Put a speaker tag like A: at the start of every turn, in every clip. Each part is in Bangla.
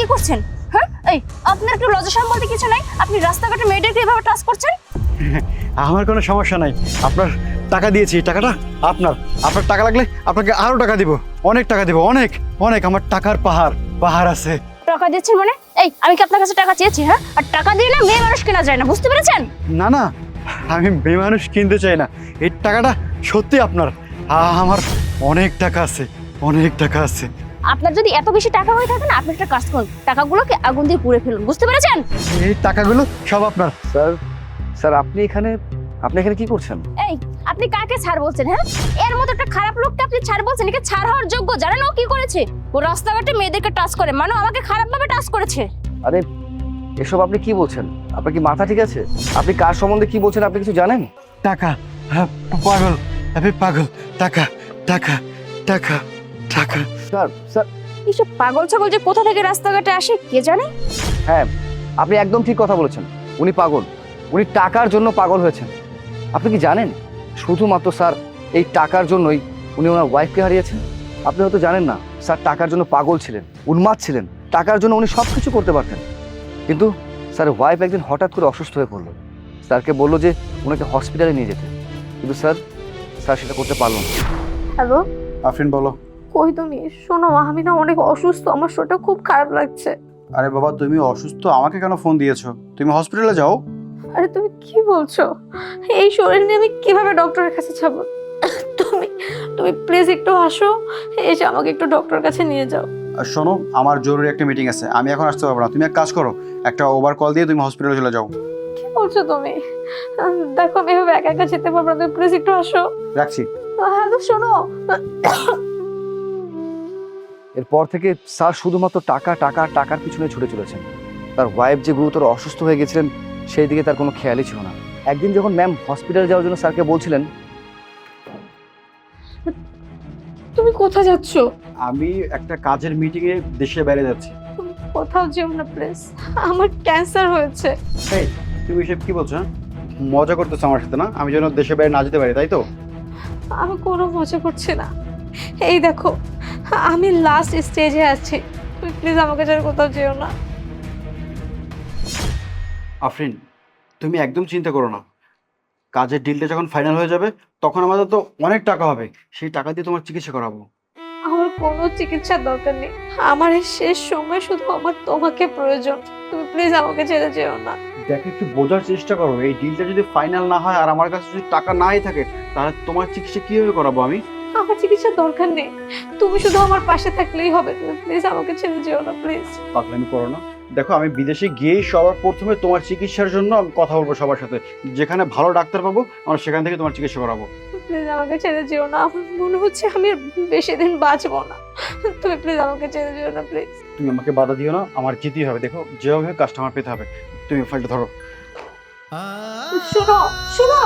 A: করছেন? হ্যাঁ, এই আপনার একটু লজ্জা শরম বলতে কিছু নাই? আপনি রাস্তাঘাটে মেয়েদেরকে এভাবে টাচ করছেন?
B: আমার কোনো সমস্যা নাই, আপনার টাকা দিয়েছি, টাকাটা আপনার। আপনার টাকা লাগলে আপনাকে আরো টাকা দিব, অনেক টাকা দিব, অনেক অনেক। আমার টাকার পাহাড় পাহাড় আছে।
A: টাকা দিচ্ছেন মানে? এই আমি কি আপনার কাছে টাকা চেয়েছি? হ্যাঁ, আর টাকা দিয়ে না মেয়ে মানুষ কেনা যায় না, বুঝতে পেরেছেন?
B: না না, আমি মেয়ে মানুষ কিনতে চাই না, এই টাকাটা সত্যি আপনার। আমার অনেক টাকা আছে, অনেক টাকা আছে।
A: আপনার যদি এত বেশি টাকা হয়ে থাকে না, আপনি একটা কাজ করুন, টাকাগুলোকে আগুন দিয়ে পুড়ে ফেলুন, বুঝতে পেরেছেন?
B: এই টাকাগুলো সব আপনার।
C: স্যার স্যার আপনি এখানে কি করছেন?
A: এই আপনি কাকে ছাড় বলছেন? হ্যাঁ, এর মতো একটা খারাপ লোককে আপনি ছাড় বলছেন? একে ছাড় হওয়ার যোগ্য? জানেন ও কি করেছে? ও রাস্তাঘাটে মেয়েদেরকে টাচ করে, মানে আমাকে খারাপভাবে টাচ করেছে।
C: আরে এসব আপনি কি বলছেন? আপনার কি মাথা ঠিক আছে? আপনি কার সম্বন্ধে কি বলছেন আপনি কিছু জানেন?
B: টাকা, হ্যাঁ, পাগল, আমি পাগল। টাকা টাকা টাকা টাকা।
C: স্যার স্যার
A: এইসব পাগল ছাগল যে কোথা থেকে রাস্তাঘাটে আসে কে জানে?
C: হ্যাঁ, আপনি একদম ঠিক কথা বলেছেন। উনি পাগল, উনি টাকার জন্য পাগল হয়েছেন। আপনি কি জানেন শুধুমাত্র স্যার এই টাকার জন্যই উনি ওনার ওয়াইফকে হারিয়েছেন? আপনি হয়তো জানেন না, স্যার টাকার জন্য পাগল ছিলেন, উন্মাদ ছিলেন। টাকার জন্য উনি সব কিছু করতে পারতেন, কিন্তু স্যার ওয়াইফ একদিন হঠাৎ করে অসুস্থ হয়ে পড়লো। স্যারকে বললো যে ওনাকে হসপিটালে নিয়ে যেতে, কিন্তু স্যার সেটা করতে পারলো না।
D: হ্যালো,
B: আফরিন বলো।
D: কই তুমি? শোনো, আমি না অনেক অসুস্থ, আমার শরীরটা খুব খারাপ লাগছে।
B: আরে বাবা, তুমি অসুস্থ, আমাকে কেন ফোন দিয়েছো? তুমি হসপিটালে যাও।
D: আরে তুমি কি বলছো? এই শরীর নিয়ে আমি কিভাবে ডক্টরের কাছে যাবো? তুমি তুমি প্লিজ একটু আসো, এসে আমাকে একটু ডক্টরের কাছে নিয়ে যাও।
B: আর শোনো, আমার জরুরি একটা মিটিং আছে, আমি এখন আসতে পারবো না। তুমি এক কাজ করো, একটা ওভার কল দিয়ে তুমি হসপিটালে চলে যাও।
D: কি বলছো তুমি? দেখো আমি এভাবে একা একা যেতে পারবো না, তুমি প্লিজ একটু আসো।
B: রাখছি।
D: হ্যালো, শোনো।
C: এরপর থেকে স্যার শুধুমাত্র টাকা টাকা টাকার পিছনে ছুটে চলেছেন। তার ওয়াইফ যে গুরুতর অসুস্থ হয়ে গেছিলেন সেই দিকে তার কোনো খেয়ালই ছিল না। একদিন যখন ম্যাম হসপিটালে যাওয়ার জন্য স্যারকে বলছিলেন,
D: তুমি কোথায় যাচ্ছ?
B: আমি একটা কাজের মিটিংয়ে দেশের বাইরে যাচ্ছি।
D: তুমি কোথাও যেও না প্লিজ, আমার ক্যান্সার হয়েছে।
B: এই, তুমি এসব কি বলছো? হ্যাঁ? মজা করতেছো আমার সাথে না? আমি যেন দেশের বাইরে না যেতে পারি, তাই তো?
D: আমি কোনো মজা করছি না। এই দেখো, আমি লাস্ট স্টেজে আছি, তুমি প্লিজ আমাকে ছেড়ে কোথাও যেও না।
B: আফরিন, তুমি একদম চিন্তা করো না। কাজের ডিলটা যখন ফাইনাল হয়ে যাবে তখন আমাদের তো অনেক টাকা হবে, সেই টাকা দিয়ে তোমার চিকিৎসা করাবো।
D: আমার কোনো চিকিৎসার দরকার নেই, আমার এই শেষ সময় শুধু আমার তোমাকে প্রয়োজন। তুমি প্লিজ আমাকে ছেড়ে যেও না।
B: দেখো, একটু বোঝার চেষ্টা করো। এই ডিলটা যদি ফাইনাল না হয় আর আমার কাছে যদি টাকা নাই থাকে, তাহলে তোমার চিকিৎসা কিভাবে করাবো আমি?
D: আমার চিকিৎসার দরকার নেই, তুমি শুধু আমার পাশে থাকলেই হবে। তুমি প্লিজ আমাকে ছেড়ে যেও না, প্লিজ।
B: পাগলামি করো না। দেখো, আমি বিদেশে গিয়েই সবার প্রথমে তোমার চিকিৎসার জন্য আমি কথা বলবো সবার সাথে। যেখানে ভালো ডাক্তার পাবো আমরা সেখান থেকে তোমার চিকিৎসা করাবো।
D: প্লিজ আমাকে ছেড়ে যেও না, আমার মনে হচ্ছে আমি আর বেশি দিন বাঁচবো না। তুমি প্লিজ আমাকে ছেড়ে যেও না, প্লিজ।
B: তুমি আমাকে বাধা দিও না, আমার যেতেই হবে। দেখো, যেভাবে কাস্টমার পেতে হবে। তুমি ফাইলটা ধরো।
D: শোনো শোনো,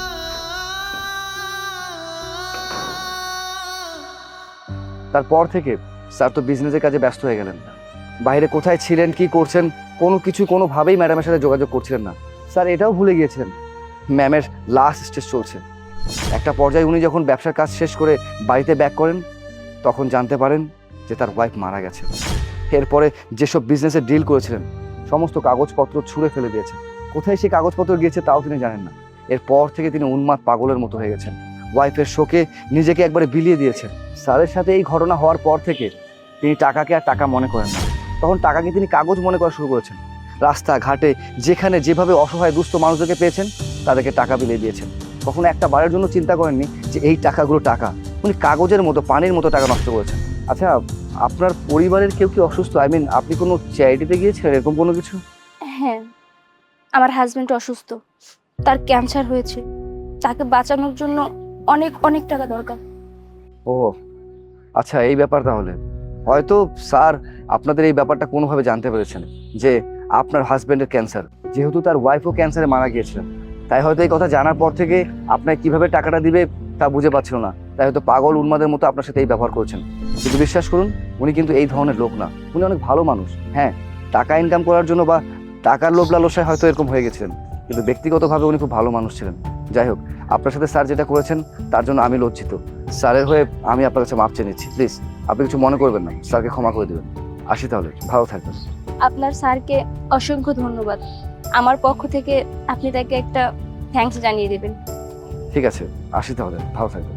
C: তারপর থেকে স্যার তো বিজনেসের কাজে ব্যস্ত হয়ে গেলেন। বাইরে কোথায় ছিলেন, কি করছেন, কোনোভাবেই ম্যাডামের সাথে যোগাযোগ করছিলেন না। স্যার এটাও ভুলে গিয়েছেন ম্যামের লাস্ট স্টেজ চলছে। একটা পর্যায়ে উনি যখন ব্যবসার কাজ শেষ করে বাড়িতে ব্যাক করেন, তখন জানতে পারেন যে তার ওয়াইফ মারা গেছে। এরপরে যেসব বিজনেসের ডিল করেছিলেন সমস্ত কাগজপত্র ছুঁড়ে ফেলে দিয়েছেন। কোথায় সেই কাগজপত্র গিয়েছে তাও তিনি জানেন না। এরপর থেকে তিনি উন্মাদ পাগলের মতো হয়ে গেছেন। ওয়াইফের শোকে নিজেকে একবারে বিলিয়ে দিয়েছেন। স্যারের সাথে এই ঘটনা হওয়ার পর থেকে তিনি টাকাকে আর টাকা মনে করেন না, তখন টাকাকে তিনি কাগজ মনে করা শুরু করেছেন। রাস্তাঘাটে যেখানে যেভাবে অসহায় দুস্থ মানুষদেরকে পেয়েছেন তাদেরকে টাকা বিলিয়ে দিয়েছেন। কখনো একটা বারের জন্য চিন্তা করেননি যে এই টাকাগুলো টাকা। উনি কাগজের মতো, পানির মতো টাকা নষ্ট করেছেন। আচ্ছা, আপনার পরিবারের কেউ কি অসুস্থ? আপনি কোনো চ্যারিটিতে গিয়েছিলেন, এরকম কোনো কিছু?
A: হ্যাঁ, আমার হাজবেন্ড অসুস্থ, তার ক্যান্সার হয়েছে, তাকে বাঁচানোর জন্য অনেক অনেক টাকা দরকার।
C: ও আচ্ছা, এই ব্যাপার। তাহলে হয়তো স্যার আপনাদের এই ব্যাপারটা কোনোভাবে জানতে পেরেছেন যে আপনার হাজবেন্ডের ক্যান্সার। যেহেতু তার ওয়াইফও ক্যান্সারে মারা গিয়েছিলেন, তাই হয়তো এই কথা জানার পর থেকে আপনাকে কিভাবে টাকাটা দিবে তা বুঝে পাচ্ছিল না। তাই হয়তো পাগল উন্মাদের মতো আপনার সাথে এই ব্যবহার করছেন। কিন্তু বিশ্বাস করুন, উনি কিন্তু এই ধরনের লোক না। উনি অনেক ভালো মানুষ। হ্যাঁ, টাকা ইনকাম করার জন্য বা টাকার লোভ লালসায় হয়তো এরকম হয়ে গেছিলেন, কিন্তু ব্যক্তিগতভাবে উনি খুব ভালো মানুষ ছিলেন। যাই হোক, আপনার সাথে স্যার যেটা করেছেন তার জন্য আমি লজ্জিত। স্যারের হয়ে আমি আপনার কাছে মাপ চেয়ে নিচ্ছি। প্লিজ আপনি কিছু মনে করবেন না, স্যারকে ক্ষমা করে দেবেন। আসি তাহলে, ভালো থাকবেন।
A: আপনার স্যারকে অসংখ্য ধন্যবাদ। আমার পক্ষ থেকে আপনি তাকে একটা থ্যাঙ্কস জানিয়ে দেবেন।
C: ঠিক আছে, আসি তাহলে, ভালো থাকবেন।